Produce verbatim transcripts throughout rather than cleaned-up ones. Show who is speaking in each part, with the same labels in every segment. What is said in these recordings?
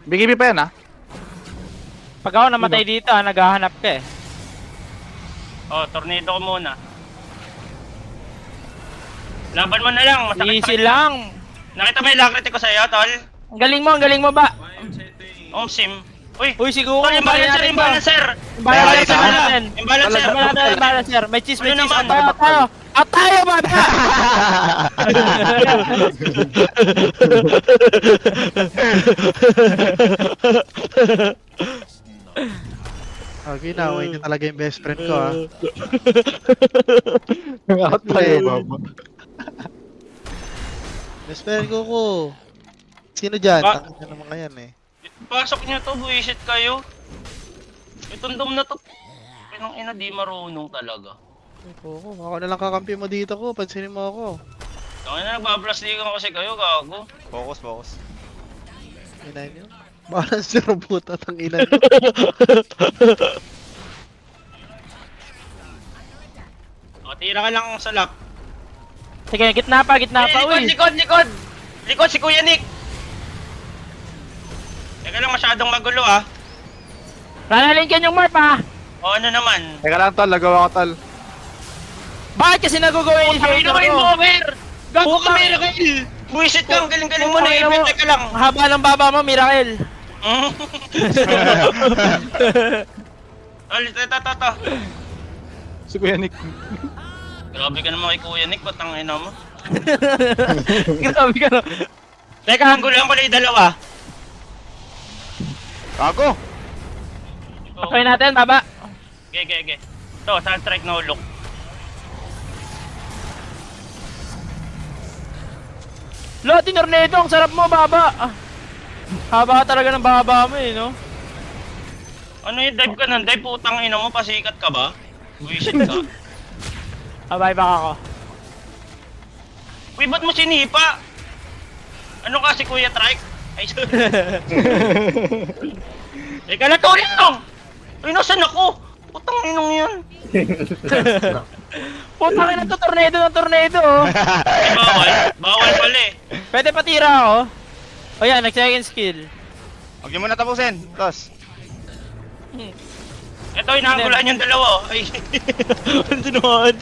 Speaker 1: B K B pa yan ah.
Speaker 2: Pag ako namatay dito, ah, naghahanap ka eh.
Speaker 3: Oh, tornado ko muna. Laban mo na lang, masakit
Speaker 2: Easy
Speaker 3: sakit.
Speaker 2: lang.
Speaker 3: Nakita mo yung lakriti ko sa'yo, tol?
Speaker 2: Ang galing mo, ang galing mo ba?
Speaker 3: Om sim. Uy,
Speaker 2: Uy, siguro.
Speaker 3: tol, imbalancer, imbalancer.
Speaker 2: Imbalancer
Speaker 1: Ay,
Speaker 2: natin.
Speaker 3: Imbalancer.
Speaker 2: Imbalancer, imbalancer. May cheese, may
Speaker 3: Ano
Speaker 2: cheese.
Speaker 3: naman?
Speaker 2: At tayo, at tayo. At tayo, bata!
Speaker 4: Okay, naway niya talaga yung best friend ko ah.
Speaker 1: Out tayo, baba.
Speaker 4: Best friend ko ko. Sino dyan?
Speaker 3: Ah.
Speaker 4: Tangin na naman ngayon eh.
Speaker 3: Pasok niyo to, buwisit kayo. Itong dom na to. Pinang ina, di marunong talaga.
Speaker 4: Ay, Koko, ako na lang kakampi mo dito ko. Pansinin mo ako.
Speaker 3: Tangin na, nagbablasligan kasi kayo, gago.
Speaker 5: Focus, focus.
Speaker 4: Ina niyo. Balance yung puta tang ina niyo.
Speaker 3: O, tira ka lang sa lock.
Speaker 2: Sige, gitna pa, gitna
Speaker 3: Eh,
Speaker 2: pa,
Speaker 3: likod,
Speaker 2: uy.
Speaker 3: likod, likod! Likod si Kuya Nick! Teka lang, masyadong magulo ah.
Speaker 2: Ranalingkin yung marp, ha?
Speaker 3: O ano naman?
Speaker 1: Teka lang tol, nagawa ko tol.
Speaker 2: Bakit kasi nag-go-go
Speaker 3: Tangin na kayo, Mover! Gago ka, Miracle! Buwisit ka, ang galing-galing mo na,
Speaker 2: Putang ina mo.
Speaker 3: ipit ka lang.
Speaker 2: Haba ng baba mo, Miracle.
Speaker 3: Ulit, ito, ito, ito.
Speaker 1: Si Kuya Nick.
Speaker 3: Grabe ka naman kay Kuya Nick, patang ina mo.
Speaker 2: Grabe ka no.
Speaker 3: Teka, hanggulan ko lang yung dalawa.
Speaker 5: Gago!
Speaker 2: Okay natin, baba.
Speaker 3: Okay, okay, okay. Ito, saan strike no look.
Speaker 2: Loti Tornado, ang sarap mo, baba. Ah, haba ka talaga ng baba mo eh, no?
Speaker 3: Ano yung dive ka nun? Dive, putang ina mo, pasikat ka ba? Buwisit ka.
Speaker 2: Abay baka ako.
Speaker 3: Uy, ba't mo sinipa? Ano ka si Kuya Trike? Ay, sorry. Teka na, tulong! Uy, nasan ako? Putang inong yan.
Speaker 2: Putang ina to, tornado ng tornado, oh.
Speaker 3: Ay, bawal. Bawal pala eh.
Speaker 2: Pwede patira ako. O yan, nag-second skill.
Speaker 5: Huwag niyo muna tapusin. Tos.
Speaker 3: Ito, inaanggulan yung dalawa. Oh. Ay.
Speaker 2: Ano naman?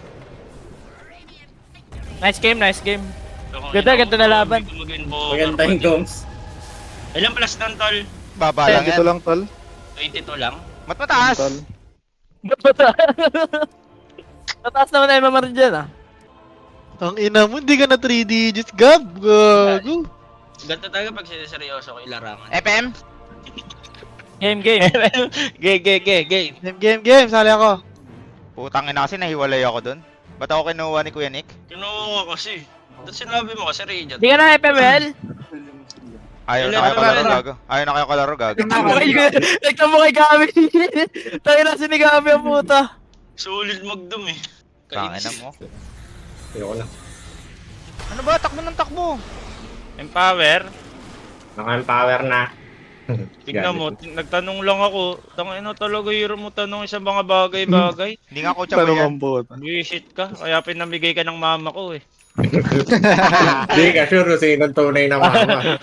Speaker 2: Nice game, nice game. Ganda, ganda na laban.
Speaker 3: Maganda yung goms. Ilang plus ng tol?
Speaker 5: Baba lang
Speaker 1: Dito
Speaker 5: yan.
Speaker 1: lang tol.
Speaker 3: twenty-two lang.
Speaker 5: Mat mataas.
Speaker 1: Tol.
Speaker 2: Ba't ba Mataas naman na M M R dyan, ah.
Speaker 4: Tang ina mo, hindi ka na three digits, Gab. Gago.
Speaker 3: Ganto talaga pag siniseryoso ko ilarangan.
Speaker 5: F M?
Speaker 2: Game, game.
Speaker 3: Gay, gay, gay, gay.
Speaker 4: Game, game, game. Sali ako.
Speaker 5: Putang ina kasi nahiwalay ako dun. Ba't ako kinuha ni Kuya Nick?
Speaker 3: Kinuha ko kasi. Tapos sinabi mo kasi Radiant.
Speaker 2: Di ka na F M L?
Speaker 5: Ayaw na
Speaker 3: Ilan
Speaker 5: kayo
Speaker 3: ba
Speaker 5: kalaro
Speaker 3: ba?
Speaker 5: gago. Ayaw na kayo kalaro gago.
Speaker 2: Nagtamo kay Gabi. Tayo na si ni Gabi ang puta.
Speaker 3: Solid magdum eh.
Speaker 5: Tangina mo.
Speaker 6: Ayoko na.
Speaker 5: Ano ba? Takbo ng takbo.
Speaker 3: Empower.
Speaker 6: Naka-empower na.
Speaker 3: Tignan mo, tin- nagtanong lang ako. Tangina talaga hero mo tanong sa mga bagay-bagay.
Speaker 5: Hindi nga coach ako
Speaker 1: Tanong
Speaker 5: yan.
Speaker 1: ang bot.
Speaker 3: Buisit ka, kaya pinamigay ka ng mama ko eh.
Speaker 6: Hindi ka sure kung sino ang tunay na mama.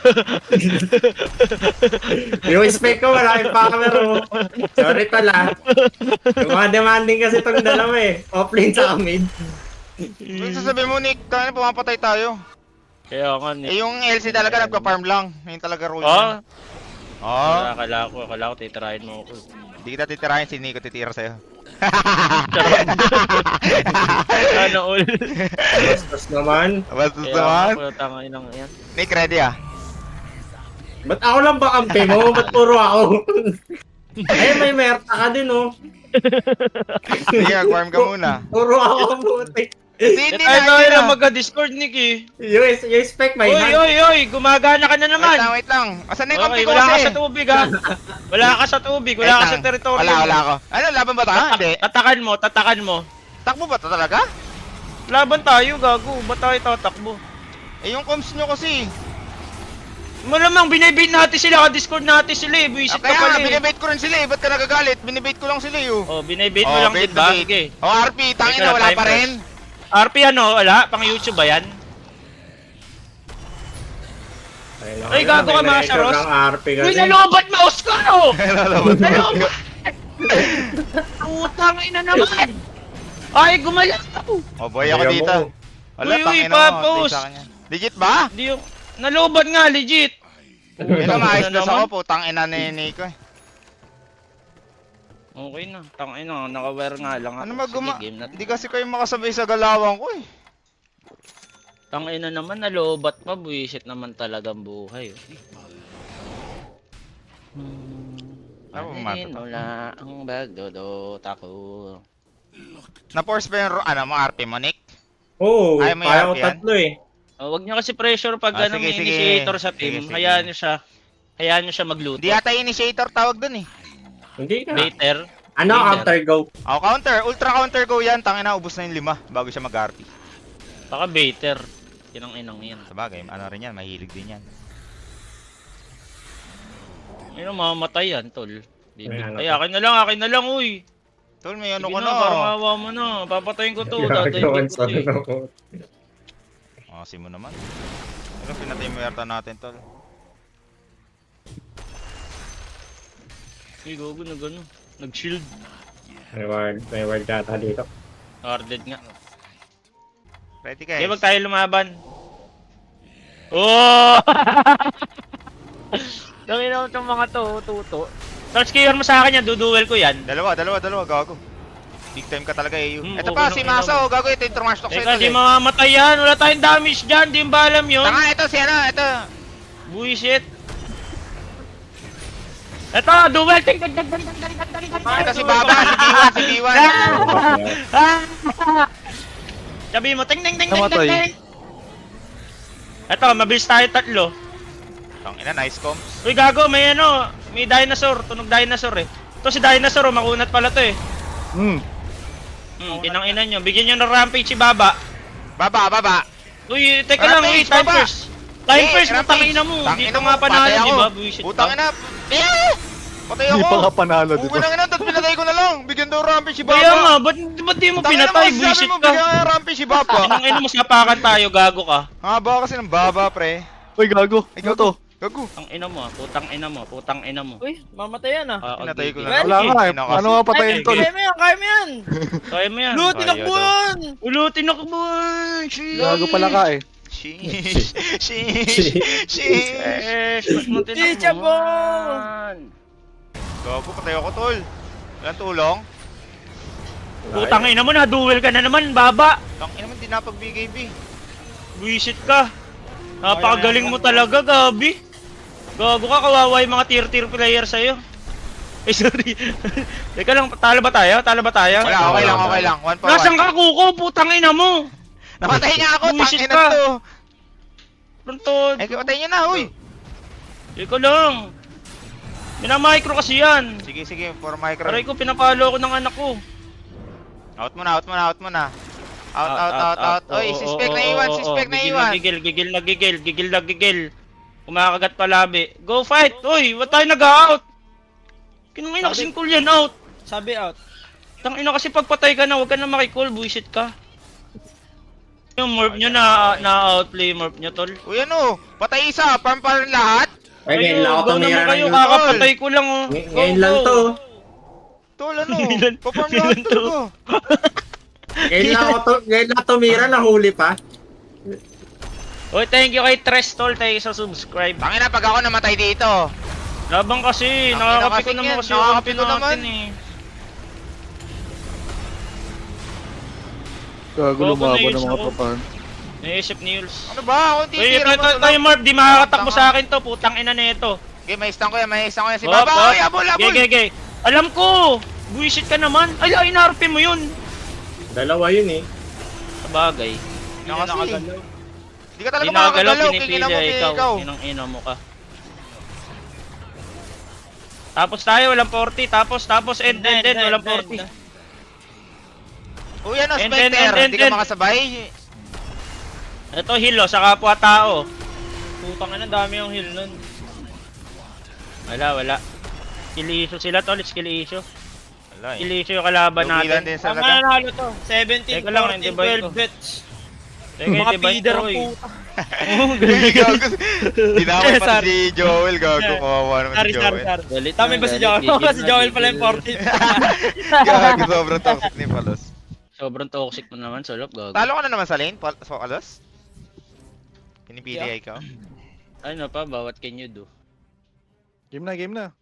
Speaker 6: Yung spec ko, wala empower mo. Sorry pala. Yung mga demanding kasi itong dalawa eh. Offlane sa mid.
Speaker 5: Ano sasabihin mo Nick? Tangina pumapatay tayo.
Speaker 3: Kaya nga
Speaker 5: Eh
Speaker 3: ni.
Speaker 5: yung L C talaga nagpa-farm lang. Yun talaga rule
Speaker 3: Ah,
Speaker 5: niya. Oo.
Speaker 3: akala ko, akala ko titirahin mo ako.
Speaker 5: Hindi kita titirahin, si Nico titira sa'yo.
Speaker 3: Sana all.
Speaker 6: Bastos naman.
Speaker 5: Bastos
Speaker 3: Kaya
Speaker 5: naman.
Speaker 3: ako, tangay ng yan.
Speaker 5: Nick, ready ah.
Speaker 6: Ba't ako lang ba kampi mo? Ba't puro ako? Ay, may merta ka din oh.
Speaker 5: Sige, mag-farm ka muna.
Speaker 6: Puro ako putik.
Speaker 5: Hindi, hindi
Speaker 3: Ay,
Speaker 5: na,
Speaker 3: tayo
Speaker 5: hindi
Speaker 3: lang
Speaker 5: na.
Speaker 3: magka-discord, Nick eh.
Speaker 6: Yung, yung spec may
Speaker 3: Oy,
Speaker 6: hand.
Speaker 3: oy, oy, gumagana ka na
Speaker 5: Wait
Speaker 3: naman.
Speaker 5: lang, wait lang. Asan na yung kampi
Speaker 3: Okay,
Speaker 5: ko
Speaker 3: wala ka
Speaker 5: kasi?
Speaker 3: sa tubig ha. Wala ka sa tubig,
Speaker 5: Wait
Speaker 3: wala ka
Speaker 5: lang.
Speaker 3: sa teritoryo.
Speaker 5: Wala, wala ako. Ano, laban ba tayo? Hindi.
Speaker 3: Tatakan mo, tatakan mo.
Speaker 5: Takbo ba to talaga?
Speaker 3: Laban tayo, gago. Ba't tayo tatakbo?
Speaker 5: Eh, yung comms nyo kasi.
Speaker 3: Malamang binibait natin sila, ka-discord natin sila eh. Buisit
Speaker 5: Ah,
Speaker 3: ka
Speaker 5: kaya
Speaker 3: pala
Speaker 5: nga,
Speaker 3: eh.
Speaker 5: binibait ko rin sila eh. Ba't ka nagagalit? Binibait ko lang sila eh. oh.
Speaker 3: Oh, binibait mo
Speaker 5: Oh,
Speaker 3: lang
Speaker 5: bait
Speaker 3: din ba?
Speaker 5: na bait.
Speaker 3: Sige.
Speaker 5: Oh, R P, tangin na,
Speaker 3: Ikaw,
Speaker 5: wala
Speaker 3: time
Speaker 5: pa rin.
Speaker 3: R P ano, wala? Pang YouTube ba yan?
Speaker 2: Ay, gago ka, mga Saros.
Speaker 6: R P
Speaker 2: Uy,
Speaker 6: kasi.
Speaker 2: nalobat mouse ko, no!
Speaker 1: Nalalaman.
Speaker 2: Nalobat! Putang ina naman! Ay, gumalaw!
Speaker 5: Oh boy ako
Speaker 6: Ayaw
Speaker 5: dito.
Speaker 6: mo.
Speaker 5: Wala,
Speaker 2: Uy, uy,
Speaker 5: tangin na
Speaker 2: papos.
Speaker 5: sa kanya. Legit ba?
Speaker 2: Hindi yung... Nalobat nga, legit!
Speaker 5: Ito, maayos na
Speaker 2: naman.
Speaker 5: ako, putang ina ni Nico eh.
Speaker 2: Okay na, tangin na, naka-wear nga lang.
Speaker 5: Ano
Speaker 2: ako.
Speaker 5: maguma?
Speaker 2: Sige, game na.
Speaker 5: Hindi kasi kayo makasabay sa galawan ko eh.
Speaker 2: Tangin na naman, nalobat pa, buwisit naman talagang buhay. oh. Hmm,
Speaker 5: Ako,
Speaker 2: Panin
Speaker 5: mata to.
Speaker 2: wala ang bagdodot ako.
Speaker 5: Na-force pa yung, ro- ano mo, R P mo, Nick?
Speaker 6: Oo,
Speaker 5: Ayaw mo
Speaker 6: kaya
Speaker 5: i-R
Speaker 6: ko
Speaker 5: P yan?
Speaker 6: tatlo eh.
Speaker 2: Oh, wag niyo kasi pressure pag
Speaker 5: Ah,
Speaker 2: ano,
Speaker 5: sige,
Speaker 2: may
Speaker 5: sige.
Speaker 2: initiator sa
Speaker 5: Sige,
Speaker 2: team.
Speaker 5: sige.
Speaker 2: Hayaan niyo siya. Hayaan niyo siya magluto.
Speaker 5: Hindi yata initiator tawag dun eh.
Speaker 6: Hindi ka.
Speaker 2: Later.
Speaker 6: Ano,
Speaker 2: Later.
Speaker 6: counter go?
Speaker 5: Oh, counter. Ultra counter go yan. Tangin na, ubos na yung lima bago siya mag-R P.
Speaker 2: Baka baiter. Yan ang inang yan.
Speaker 5: Sabagay, ano rin yan, mahilig din yan.
Speaker 2: Ayun, mamamatay yan, tol. Di-
Speaker 6: May ano
Speaker 2: Ay,
Speaker 6: pa.
Speaker 2: akin na lang, akin na lang, uy.
Speaker 5: Tol, may ano
Speaker 2: Sige
Speaker 5: ko
Speaker 2: na,
Speaker 5: na.
Speaker 2: parang awa mo na. Papatayin ko to. Dadayin
Speaker 6: Gagawan
Speaker 2: ko
Speaker 6: sa
Speaker 2: to. eh.
Speaker 6: ano.
Speaker 5: Oh, si mo naman. Ano, pinatay mo yata natin, tol.
Speaker 2: Uy, gogo na gano'n. Nag-shield.
Speaker 6: May word, may word data dito.
Speaker 2: Guarded nga.
Speaker 5: Ready
Speaker 2: Okay,
Speaker 5: guys?
Speaker 2: wag tayo lumaban. Oh! Dami na itong mga to, tuto. Touch kayo mo sa akin yan, duduel ko yan.
Speaker 5: Dalawa, dalawa, dalawa, gago. Big time ka talaga eh.
Speaker 2: Hmm,
Speaker 5: Ito
Speaker 2: okay
Speaker 5: pa,
Speaker 2: lang,
Speaker 5: si
Speaker 2: okay
Speaker 5: Masa,
Speaker 2: lang.
Speaker 5: oh, gago, ito yung trash talk
Speaker 2: Teka,
Speaker 5: sa'yo,
Speaker 2: di
Speaker 5: tol eh.
Speaker 2: mamamatay yan. Wala tayong damage dyan. Di ba alam yun?
Speaker 5: Tanga, ito, si ano, ito.
Speaker 2: Bullshit. Ito, duel. Ting, ting, ting, ting, ting, ting, ting, ting, ting.
Speaker 5: Ito si Baba, si B one, si B one.
Speaker 2: Ah! Sabi mo, ting, ting, ting, ting, ting,
Speaker 1: Namatay.
Speaker 2: ting. Ito, mabilis tayo tatlo.
Speaker 5: Tangina, nice comms.
Speaker 2: Uy, gago, may ano, may dinosaur. Tunog dinosaur eh. Ito si dinosaur, oh, makunat pala to eh.
Speaker 1: Hmm.
Speaker 2: Hmm, kinang-ina nyo. Bigyan nyo ng rampage si Baba.
Speaker 5: Baba, baba.
Speaker 2: Uy, teka lang, uy,
Speaker 5: Rampage,
Speaker 2: time
Speaker 5: Baba.
Speaker 2: first. Time
Speaker 5: Eh,
Speaker 2: first,
Speaker 5: rampage.
Speaker 2: putangina mo.
Speaker 5: Tangina
Speaker 2: Dito
Speaker 5: mo,
Speaker 2: nga panalo,
Speaker 5: patay
Speaker 2: di
Speaker 5: ako.
Speaker 2: ba? Buisit
Speaker 5: Putang
Speaker 2: ka.
Speaker 5: ina. Eh! Patay
Speaker 1: Hindi
Speaker 5: ako.
Speaker 1: pa nga panalo, di
Speaker 5: Uwi
Speaker 1: ba?
Speaker 5: lang ina, tapos pinatay ko na lang. Bigyan daw rampage si Baba.
Speaker 2: Kaya nga, ba't, ba't di mo
Speaker 5: Tangina
Speaker 2: pinatay?
Speaker 5: mo,
Speaker 2: Buisit
Speaker 5: sabi mo,
Speaker 2: ka.
Speaker 5: bigyan nga rampage si Baba.
Speaker 2: Kinang-ina mo, sapakan tayo, gago ka.
Speaker 5: Haba kasi ng Baba, pre.
Speaker 1: Uy, gago.
Speaker 5: Ay,
Speaker 1: Ano to?
Speaker 5: Gago.
Speaker 2: Ang ina mo, ah, putang ina mo, putang ina mo.
Speaker 7: Uy, mamatay yan ah.
Speaker 2: Ah,
Speaker 5: Pinatay ko
Speaker 2: okay.
Speaker 5: na.
Speaker 1: Wala nga eh.
Speaker 5: Inakas-
Speaker 1: Ano nga patayin
Speaker 2: Ay,
Speaker 1: to?
Speaker 7: Kaya mo yan, kaya mo yan!
Speaker 2: Kaya mo yan.
Speaker 7: Lutin ang
Speaker 5: Kaya
Speaker 7: buwan!
Speaker 2: Ulutin ako ba? Sheesh.
Speaker 1: Gago pala ka eh.
Speaker 5: Sheesh. Sheesh. Sheesh.
Speaker 2: Sheesh, mas matin ako.
Speaker 7: Chicha po!
Speaker 5: Gago, patay ako, tol. Walang tulong.
Speaker 2: Putang ina mo na, duel ka na naman, Baba.
Speaker 5: Tangina mo, di napag-B K B.
Speaker 2: Buisit ka. Napakagaling mo talaga, Gabi. Gago ka, kawawa yung mga tier-tier player sa'yo. Eh, sorry. Teka lang, talo ba tayo? Talo ba tayo?
Speaker 5: Wala, okay lang, okay lang. One for
Speaker 2: Nasaan
Speaker 5: one.
Speaker 2: ka, Kuko? Putang ina mo!
Speaker 5: Namatay niya ako,
Speaker 2: Buwisit
Speaker 5: tangina
Speaker 2: ka.
Speaker 5: to.
Speaker 2: Pronto.
Speaker 5: Ay, patay niya na, uy.
Speaker 2: Teka lang. Minamicro kasi yan.
Speaker 5: Sige, sige, for micro.
Speaker 2: Aray ko, pinapalo ko ng anak ko.
Speaker 5: Out mo na, out mo na, out mo na. Out, out, out, out. Oy, si Spec na iwan, si Spec na
Speaker 2: Gigil
Speaker 5: iwan.
Speaker 2: Gigil, gigil na gigil, gigil na gigil. Kumakagat pa labi. Go fight! Uy, wag tayo nag-out! Kinangina kasing cool yan, out!
Speaker 7: Sabi out.
Speaker 2: Tangina kasi pagpatay ka na, wag ka na makikall, bullshit ka. Yung morph nyo na, na-outplay morph nyo, tol.
Speaker 5: Uy, ano? Patay isa, farm pa rin lahat.
Speaker 6: Ay, ngayon lang ako
Speaker 2: go
Speaker 6: tumira
Speaker 2: naman
Speaker 6: ng
Speaker 2: kayo,
Speaker 6: Utol.
Speaker 2: kakapatay ko lang, oh.
Speaker 6: Ngay-
Speaker 2: Go,
Speaker 6: Ngayon lang
Speaker 2: go.
Speaker 6: to.
Speaker 5: Tol, ano?
Speaker 2: Ilan-
Speaker 5: Pa-farm
Speaker 2: ilan
Speaker 5: lahat
Speaker 2: to?
Speaker 5: talaga.
Speaker 6: Ngayon lang ako to, ngayon lang tumira, nahuli pa.
Speaker 2: Uy, thank you kay Tres, tol, tayo sa subscribe.
Speaker 5: Tangina, pag ako namatay dito.
Speaker 2: Labang kasi,
Speaker 5: Ang
Speaker 2: nakakapiko
Speaker 5: ina
Speaker 2: naman
Speaker 5: kasi
Speaker 2: kasi
Speaker 5: yan,
Speaker 2: yung
Speaker 5: nakakapiko
Speaker 2: ulti
Speaker 5: naman.
Speaker 2: natin eh.
Speaker 1: Gago
Speaker 2: Gago,
Speaker 1: lumaban ng
Speaker 2: nails
Speaker 1: mga
Speaker 2: ako.
Speaker 1: tropahan.
Speaker 2: Naisip ni Yules.
Speaker 5: Ano ba? Ako
Speaker 2: Uy, ito,
Speaker 5: titira
Speaker 2: ito,
Speaker 5: mo.
Speaker 2: ito, yung Marv, di makakatakbo sa akin to, putang ina na ito.
Speaker 5: Okay, may stand ko yan, may stand ko yan. Si
Speaker 2: Hop,
Speaker 5: Baba,
Speaker 2: hop.
Speaker 5: oy, abol, abol.
Speaker 2: Gay, gay, gay. Alam ko! Buisit ka naman. Ay, ay, in-R P mo yun.
Speaker 6: Dalawa yun eh.
Speaker 2: Sabagay.
Speaker 5: Ano kasi? Hindi ka talaga
Speaker 2: Di nakagalaw,
Speaker 5: makakagalaw.
Speaker 2: pinipili
Speaker 5: Kikina mo,
Speaker 2: ay ikaw.
Speaker 5: ikaw.
Speaker 2: Inang-ina mo ka. Tapos tayo, walang forty. Tapos, tapos, end, end, end, walang forty.
Speaker 5: Uy, ano,
Speaker 2: And, and,
Speaker 5: Spectre,
Speaker 2: and, and,
Speaker 5: hindi ka
Speaker 2: and.
Speaker 5: makasabay.
Speaker 2: Ito, hilo, sa kapwa-tao.
Speaker 7: Putang ina, dami yung heal nun.
Speaker 2: Wala, wala. Skill issue sila, tol. Skill issue.
Speaker 5: Wala
Speaker 2: Skill issue yung kalaban
Speaker 5: Lumilan
Speaker 2: natin.
Speaker 5: din sa
Speaker 7: Ang
Speaker 5: laga.
Speaker 7: nanalo to, seventeen,
Speaker 2: Teka lang,
Speaker 7: fourteen,
Speaker 2: divide
Speaker 7: twelve
Speaker 2: ko.
Speaker 7: bets.
Speaker 2: Teka,
Speaker 7: Mga
Speaker 2: divide
Speaker 7: feeder
Speaker 2: ko,
Speaker 7: ang
Speaker 2: eh.
Speaker 7: puta.
Speaker 2: Oo,
Speaker 5: Uy, gago. Dinamay pa
Speaker 2: Sorry.
Speaker 5: si Joel, gago. Kawawa naman si
Speaker 7: Sorry, sorry,
Speaker 5: Joel.
Speaker 7: sorry.
Speaker 2: Galit
Speaker 7: Tama
Speaker 2: na,
Speaker 7: ba si
Speaker 2: galit.
Speaker 7: Joel?
Speaker 2: Gigil
Speaker 7: Si
Speaker 2: na,
Speaker 7: Joel pala
Speaker 2: gigil.
Speaker 7: yung fourteen.
Speaker 5: Gago, sobrang toxic ni Palos.
Speaker 2: Sobrang toxic mo naman, Solop, gago.
Speaker 5: Talo ka na naman sa lane, Pal so, Palos? Pinipili
Speaker 7: Yeah.
Speaker 5: ikaw?
Speaker 2: Ano pa, bawat can you do?
Speaker 1: Game na, game na.